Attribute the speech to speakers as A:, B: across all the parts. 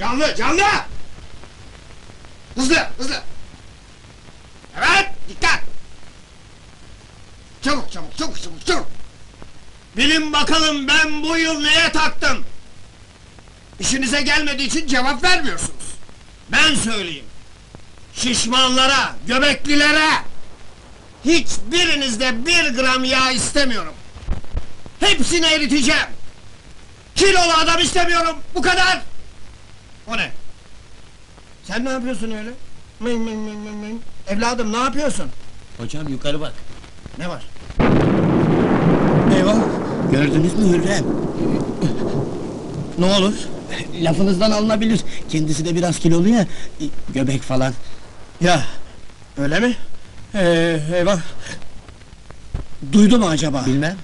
A: Canlı, canlı! Hızlı, hızlı! Evet, dikkat! Çabuk, çabuk, çabuk, çabuk, çabuk! Bilin bakalım ben bu yıl neye taktım? İşinize gelmediği için cevap vermiyorsunuz. Ben söyleyeyim. Şişmanlara, göbeklilere... Hiçbirinizde 1 gram yağ istemiyorum. Hepsini eriteceğim. Kilolu adam istemiyorum, bu kadar! O ne? Sen ne yapıyorsun öyle? Mıy mıy mıy mıy mıy. Evladım ne yapıyorsun?
B: Hocam yukarı bak.
A: Ne var? Eyvah!
B: Gördünüz mü Hürrem?
A: Ne olur?
B: Lafınızdan alınabilir. Kendisi de biraz kilolu ya. Göbek falan.
A: Ya, öyle mi? Eyvah! Duydu mu acaba?
B: Bilmem.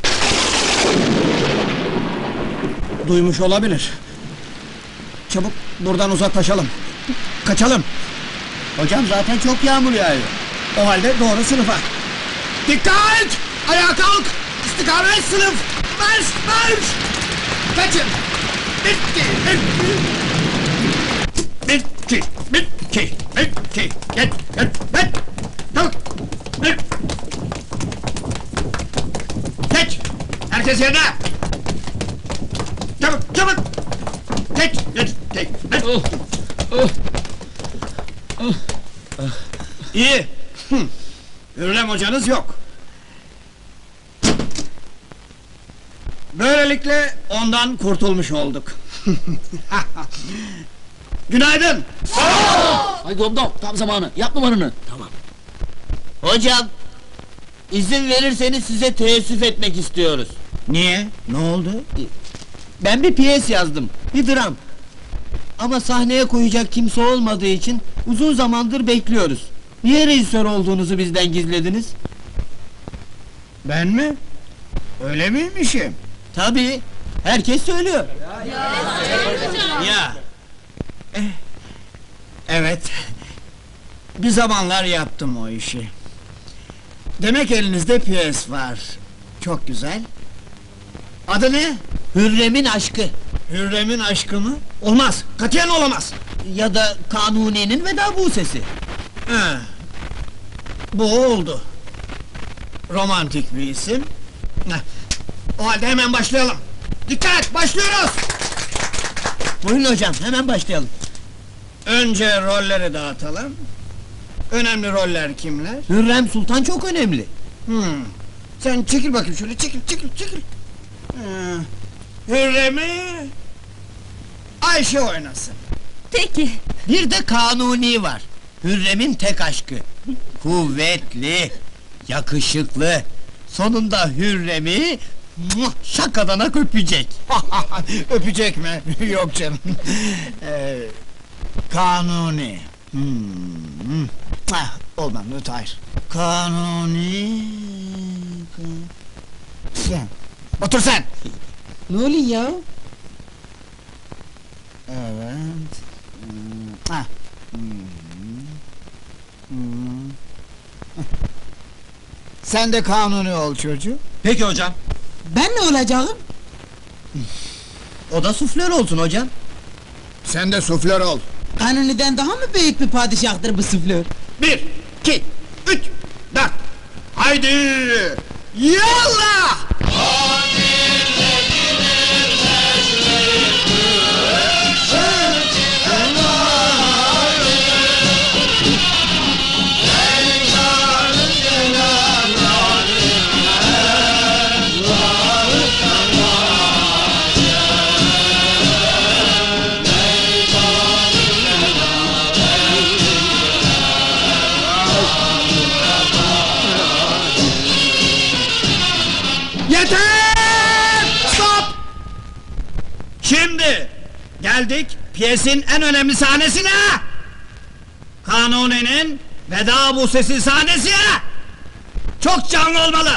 A: Duymuş olabilir. Çabuk buradan uzaklaşalım. Kaçalım.
B: Hocam zaten çok yağmur yağıyor.
A: O halde doğru sınıfa. Dikkat! Ayağa kalk! İstikamet sınıf! Marş! Marş! Kaçın! Bitti! Bitti! Bitti! Bitti! Bitti! Gel! Gel! Gel! Çabuk! Gel! Geç! Herkes yerine! Çabuk! Çabuk! Geç! Geç! Geç! Geç! İyi! Hürrem hocanız yok! Böylelikle ondan kurtulmuş olduk. Günaydın!
B: Ay domdom tam zamanı. Yap numaranı. Tamam. Hocam, izin verirseniz size teessüf etmek istiyoruz.
A: Niye? Ne oldu?
B: Ben bir piyes yazdım. Bir dram. Ama sahneye koyacak kimse olmadığı için uzun zamandır bekliyoruz. Niye rejisör olduğunuzu bizden gizlediniz?
A: Ben mi? Öyle miymişim?
B: Tabii. Herkes söylüyor.
A: Ya! Evet. Bir zamanlar yaptım o işi. Demek elinizde piyes var. Çok güzel. Adı ne?
B: Hürrem'in aşkı.
A: Hürrem'in aşkı mı? Olmaz, katiyen olamaz!
B: Ya da Kanuni'nin veda busesi.
A: He. Bu oldu. Romantik bir isim. Heh. O halde hemen başlayalım. Dikkat, başlıyoruz!
B: Buyurun hocam, hemen başlayalım.
A: Önce rolleri dağıtalım. Önemli roller kimler?
B: Hürrem Sultan çok önemli.
A: Sen çekil bakayım şöyle, çekil, çekil, çekil! Hürrem'i... Ayşe oynasın.
C: Peki.
B: Bir de Kanuni var. Hürrem'in tek aşkı. Kuvvetli, yakışıklı. Sonunda Hürrem'i şakadanak öpecek.
A: Öpecek mi? Yok canım. Kanuni. Olmam, hayır. Kanuni... Sen. Otur sen!
B: Ne oluyor ya?
A: Evet. Sen de Kanuni ol çocuğum.
B: Peki hocam.
C: Ben ne olacağım?
B: O da suflör olsun hocam.
A: Sen de suflör ol.
C: Kanuni'den daha mı büyük bir padişahtır bu süflör?
A: 1, 2, 3, 4. Haydi! Yallah! Yeter! Stop! Şimdi geldik piyesin en önemli sahnesine! Kanuni'nin veda busesi sahnesi! Çok canlı olmalı!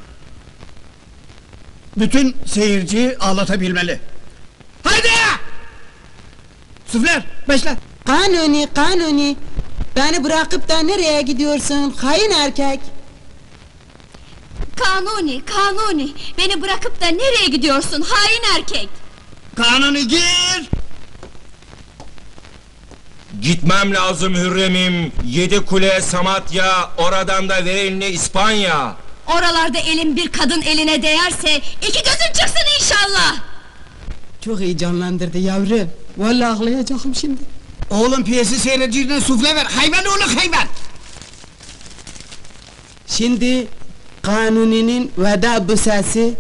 A: Bütün seyirciyi ağlatabilmeli. Haydi! Süfler, başla!
C: Kanuni, Kanuni! Beni bırakıp da nereye gidiyorsun, hain erkek?
D: Kanuni, Kanuni! Beni bırakıp da nereye gidiyorsun hain erkek?
A: Kanuni gir!
E: Gitmem lazım Hürrem'im. 7 Kule, Samatya, oradan da ver elini İspanya.
D: Oralarda elin bir kadın eline değerse iki gözün çıksın inşallah.
C: Çok heyecanlandırdı yavrum. Vallahi ağlayacağım şimdi.
A: Oğlum piyesi seyircine sufle ver, hayvan oğlu hayvan!
C: Şimdi Kanuni'nin veda büsesi.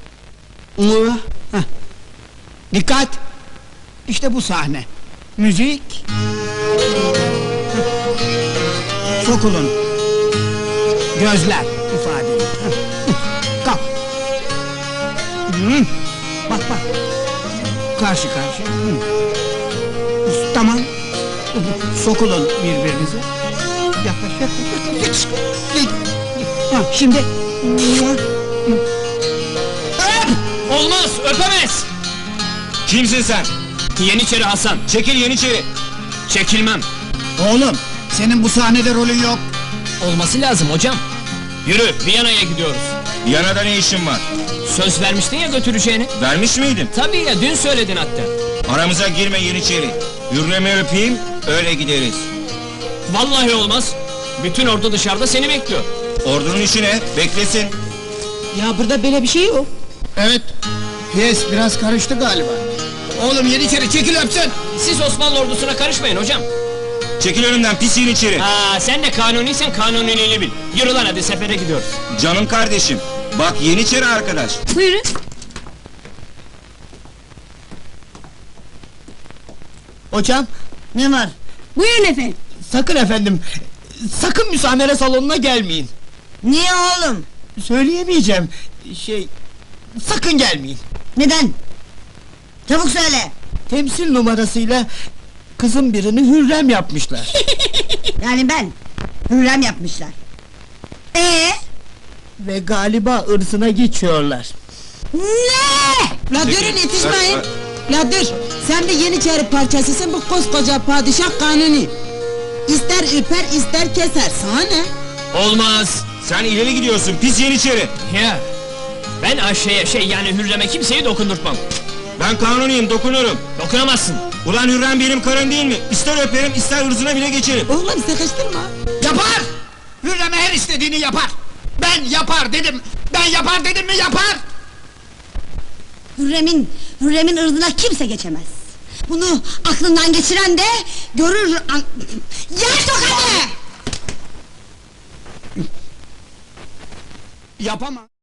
C: Heh.
A: Dikkat! İşte bu sahne. Müzik. Sokulun. Gözler ifadeli. Kalk. Hı. Bak bak. Karşı karşı. Hı. Tamam. Sokulun birbirinize. Yaklaş yaklaş. Ha, şimdi.
F: Olmaz, öpemez!
E: Kimsin sen?
F: Yeniçeri Hasan,
E: Çekil Yeniçeri.
F: çekilmem!
A: Oğlum, senin bu sahnede rolün yok.
F: Olması lazım hocam! Yürü, Viyana'ya gidiyoruz!
E: Viyana'da ne işin var?
F: Söz vermiştin ya götüreceğini!
E: Vermiş miydim?
F: Tabii ya, dün söyledin hatta!
E: Aramıza girme Yeniçeri. Hürrem'i öpeyim, öyle gideriz.
F: Vallahi olmaz! Bütün ordu dışarıda seni bekliyor!
E: Ordunun işi ne? Beklesin.
C: Ya burada böyle bir şey yok.
A: Evet, piyes biraz karıştı galiba. Oğlum Yeniçeri çekil öpsün!
F: Siz Osmanlı ordusuna karışmayın hocam!
E: Çekil önümden pis Yeniçeri.
F: Sen de kanuniysen kanuniliğini bil! Yürü lan hadi, sefere gidiyoruz!
E: Canım kardeşim. Bak Yeniçeri arkadaş.
D: Buyurun.
B: Hocam, ne var?
D: Buyurun efendim.
B: Sakın efendim, sakın müsamere salonuna gelmeyin.
D: Niye oğlum?
B: Söyleyemeyeceğim, sakın gelmeyin.
D: Neden? Çabuk söyle.
B: Temsil numarasıyla kızın birini Hürrem yapmışlar.
D: Yani ben. Hürrem yapmışlar.
B: Ve galiba ırzına geçiyorlar.
D: Ne?
C: La durun yetişmeyin. La dur. Sen bir Yeniçeri parçasısın, bu koskoca padişah Kanuni. İster üper ister keser, sana ne?
F: Olmaz!
E: Sen ileri gidiyorsun pis Yeniçeri.
F: Ya! Ben Ayşe'ye yani Hürrem'e kimseyi dokundurtmam!
E: Ben kanuniyim, dokunurum.
F: Dokunamazsın!
E: Ulan Hürrem benim karım değil mi? İster öperim, ister ırzına bile geçerim.
C: Oğlum sıkıştırma.
A: Yapar! Hürrem'e her istediğini yapar! Ben yapar dedim! Ben yapar dedim mi yapar!
D: Hürrem'in ırzına kimse geçemez. Bunu aklından geçiren de görür Yer tokadı!
A: Yapamam!